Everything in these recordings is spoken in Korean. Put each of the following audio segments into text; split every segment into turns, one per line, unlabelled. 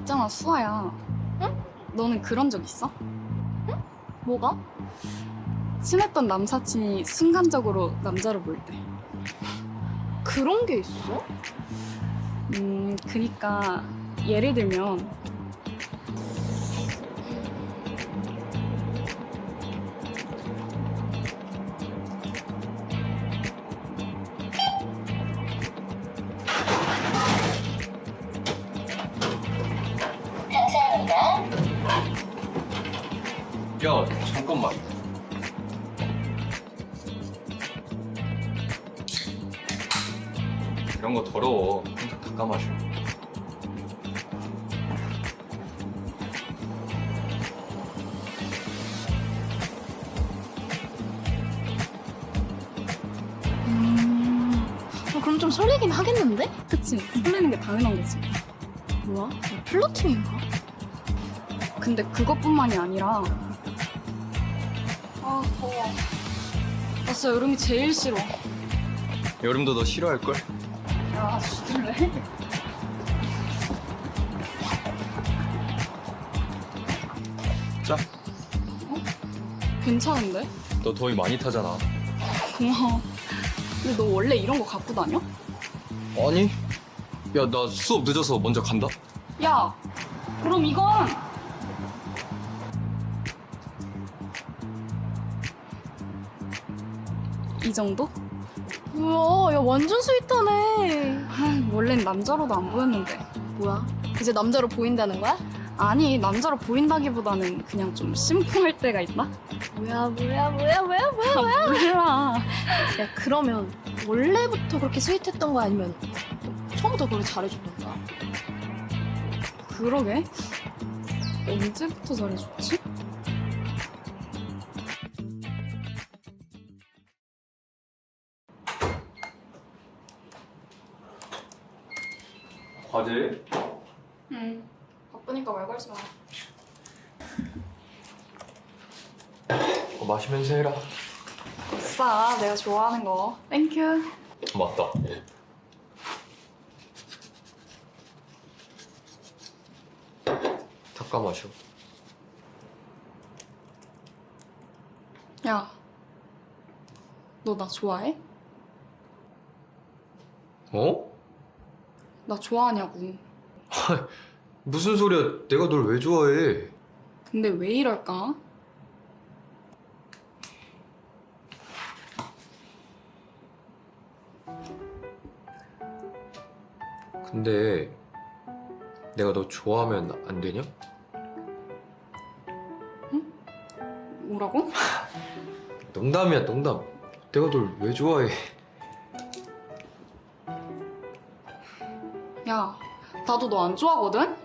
있잖아, 수아야.
응?
너는 그런 적 있어?
뭐가?
친했던 남사친이 순간적으로 남자로 보일 때.
그런 게 있어?
그니까 예를 들면
야, 잠깐만. 이런 거 더러워. 항상 닦아 마셔.
그럼 좀 설레긴 하겠는데?
그치, 설레는 게 당연한 거지.
뭐야? 플러팅인가?
근데 그것뿐만이 아니라 아 더워. 나 진짜 여름이 제일 싫어.
여름도 너 싫어할걸?
야 죽을래?
자,
괜찮은데?
너 더위 많이 타잖아.
고마워. 근데 너 원래 이런 거 갖고 다녀?
아니? 야, 나 수업 늦어서 먼저 간다.
야 그럼 이건 이 정도?
뭐야, 야 완전 스윗하네.
아, 원래는 남자로도 안 보였는데.
뭐야? 이제 남자로 보인다는 거야?
아니 남자로 보인다기보다는 그냥 좀 심쿵할 때가 있나?
뭐야?
몰라.
야 그러면 원래부터 그렇게 스윗했던 거야 아니면 처음부터 그렇게 잘해줬던 거야?
그러게 언제부터 잘해줬지?
과제?
응 바쁘니까 말 걸지 마.
마시면서 해라.
아싸 내가 좋아하는 거 땡큐.
맞다. 닦아 마셔.
야 너 나 좋아해?
어?
나 좋아하냐고.
무슨 소리야? 내가 널 왜 좋아해?
근데 왜 이럴까?
근데 내가 너 좋아하면 안 되냐?
뭐라고?
농담이야, 농담. 내가 널 왜 좋아해?
야 나도 너 안 좋아하거든?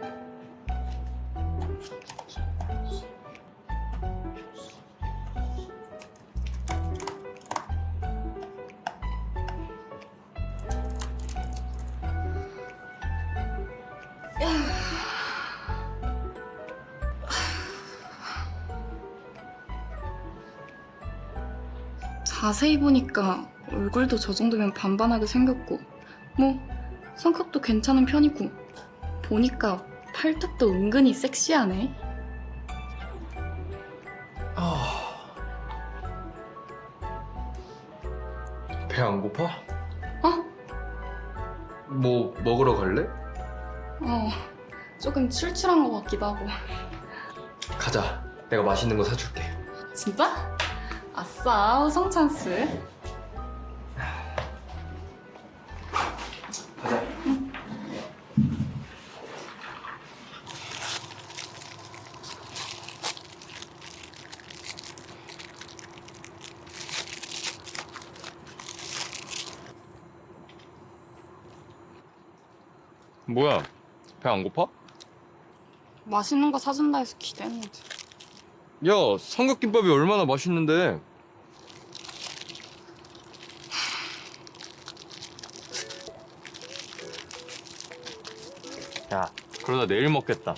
자세히 보니까 얼굴도 저 정도면 반반하게 생겼고 뭐 성격도 괜찮은 편이고 보니까 팔뚝도 은근히 섹시하네.
배 안 고파?
어?
뭐 먹으러 갈래?
조금 출출한 것 같기도 하고.
가자. 내가 맛있는 거 사줄게.
진짜? 아싸 우성 찬스.
가자. 뭐야? 배 안 고파?
맛있는 거 사준다 해서 기대했는데.
야, 삼각김밥이 얼마나 맛있는데. 야, 그러다 내일 먹겠다.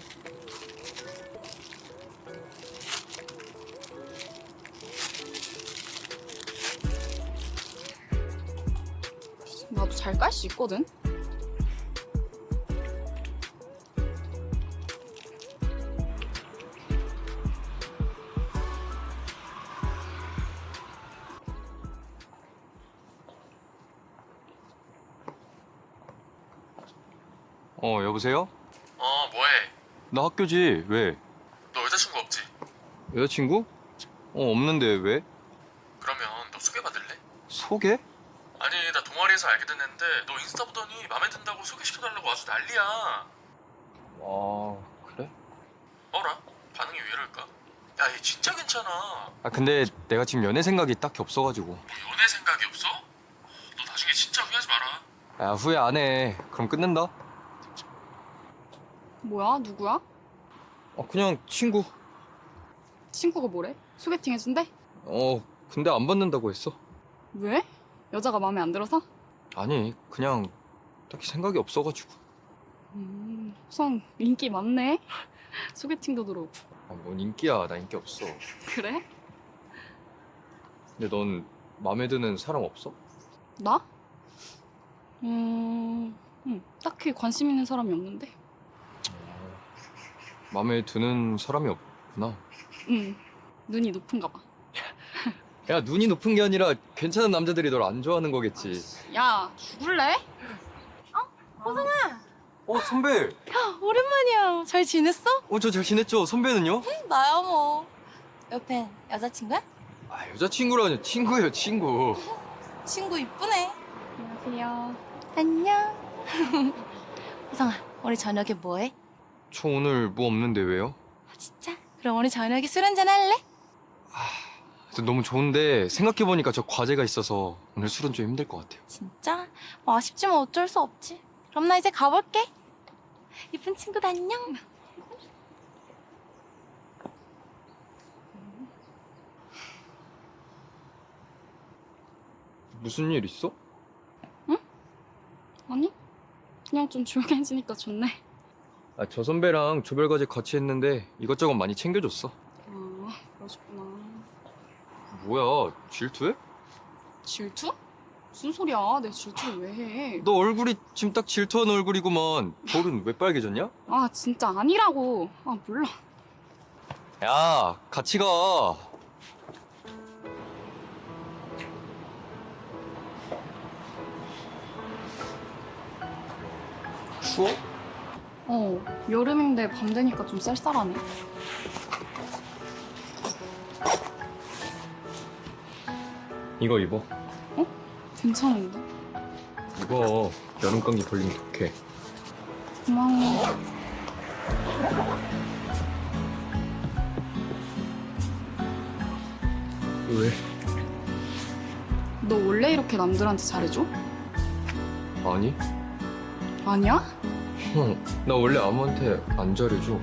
나도 잘 깔 수 있거든?
여보세요?
뭐해?
나 학교지. 왜?
너 여자친구 없지?
여자친구? 없는데 왜?
그러면 너 소개받을래?
소개?
아니 나 동아리에서 알게 됐는데 너 인스타 보더니 맘에 든다고 소개시켜달라고 아주 난리야.
아, 그래?
어라? 반응이 왜 이럴까? 야 얘 진짜 괜찮아.
아, 근데 내가 지금 연애 생각이 딱히 없어가지고.
뭐 연애 생각이 없어? 너 나중에 진짜 후회하지 마라.
야, 후회 안 해. 그럼 끝낸다.
뭐야? 누구야?
그냥 친구.
친구가 뭐래? 소개팅 해준대?
근데 안 받는다고 했어.
왜? 여자가 마음에 안 들어서?
아니, 그냥 딱히 생각이 없어가지고.
우선 인기 많네. 소개팅도 들어오고.
뭔 인기야. 나 인기 없어.
그래?
근데 넌 마음에 드는 사람 없어?
나? 딱히 관심 있는 사람이 없는데.
마음에 드는 사람이 없구나.
눈이 높은가 봐.
야, 눈이 높은 게 아니라 괜찮은 남자들이 널 안 좋아하는 거겠지.
야, 죽을래?
선배!
오랜만이야. 잘 지냈어?
저 잘 지냈죠? 선배는요?
나야 뭐. 옆엔 여자친구야?
여자친구라뇨. 친구예요, 친구.
친구 이쁘네.
안녕하세요.
안녕. 호성아, 우리 저녁에 뭐해?
저 오늘 뭐 없는데 왜요?
진짜? 그럼 우리 저녁에 술 한잔 할래?
너무 좋은데 생각해보니까 저 과제가 있어서 오늘 술은 좀 힘들 것 같아요.
진짜? 뭐 아쉽지만 어쩔 수 없지. 그럼 나 이제 가볼게. 이쁜 친구도 안녕.
무슨 일 있어?
아니? 그냥 좀 조용해지니까 좋네.
저 선배랑 조별 과제 같이 했는데 이것저것 많이 챙겨줬어.
그러셨구나.
뭐야, 질투해?
질투? 무슨 소리야? 내 질투를 왜 해?
너 얼굴이 지금 딱 질투하는 얼굴이구만. 볼은 왜 빨개졌냐?
진짜 아니라고. 몰라.
야, 같이 가. 추워?
여름인데 밤 되니까 좀 쌀쌀하네.
이거 입어.
괜찮은데?
이거 여름 감기 걸리면 독해.
고마워.
왜?
너 원래 이렇게 남들한테 잘해줘?
아니?
아니야?
나 원래 아무한테 안 잘해줘.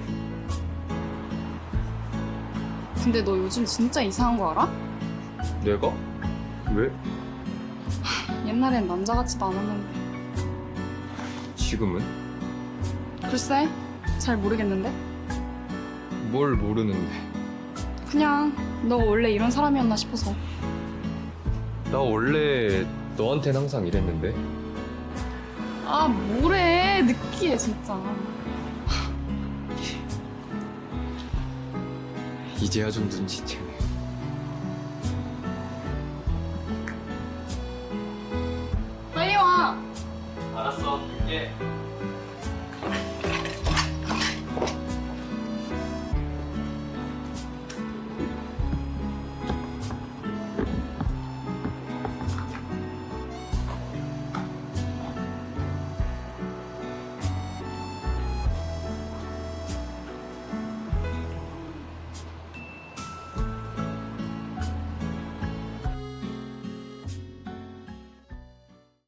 근데 너 요즘 진짜 이상한 거 알아?
내가? 왜?
옛날엔 남자 같지도 않았는데.
지금은?
글쎄, 잘 모르겠는데?
뭘 모르는데.
그냥 너 원래 이런 사람이었나 싶어서.
나 원래 너한텐 항상 이랬는데.
뭐래. 느끼해, 진짜.
이제야 좀 눈치채네.
빨리 와.
알았어, 예.